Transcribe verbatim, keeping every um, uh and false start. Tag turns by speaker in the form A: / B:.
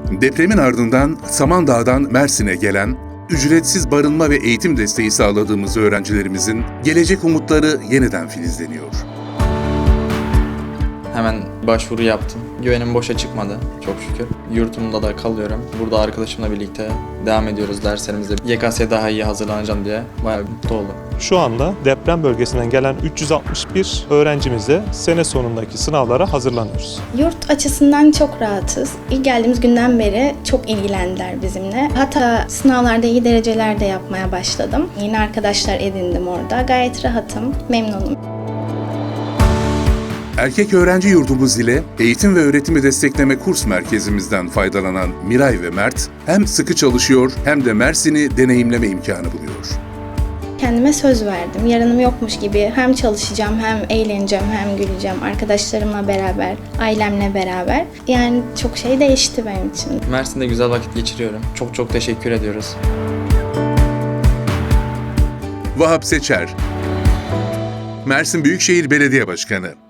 A: Depremin ardından Samandağ'dan Mersin'e gelen, ücretsiz barınma ve eğitim desteği sağladığımız öğrencilerimizin gelecek umutları yeniden filizleniyor.
B: Hemen başvuru yaptım. Güvenim boşa çıkmadı çok şükür. Yurtumda da kalıyorum. Burada arkadaşımla birlikte devam ediyoruz derslerimizde. Y K S'ye daha iyi hazırlanacağım diye bayağı mutlu oldum.
C: Şu anda deprem bölgesinden gelen üç yüz altmış bir öğrencimizle sene sonundaki sınavlara hazırlanıyoruz.
D: Yurt açısından çok rahatız. İlk geldiğimiz günden beri çok ilgilendiler bizimle. Hatta sınavlarda iyi dereceler de yapmaya başladım. Yeni arkadaşlar edindim orada. Gayet rahatım, memnunum.
A: Erkek öğrenci yurdumuz ile eğitim ve öğretimi destekleme kurs merkezimizden faydalanan Miray ve Mert hem sıkı çalışıyor hem de Mersin'i deneyimleme imkanı buluyor.
D: Kendime söz verdim. Yarınım yokmuş gibi hem çalışacağım, hem eğleneceğim, hem güleceğim. Arkadaşlarımla beraber, ailemle beraber. Yani çok şey değişti benim için.
B: Mersin'de güzel vakit geçiriyorum. Çok çok teşekkür ediyoruz.
A: Vahap Seçer, Mersin Büyükşehir Belediye Başkanı.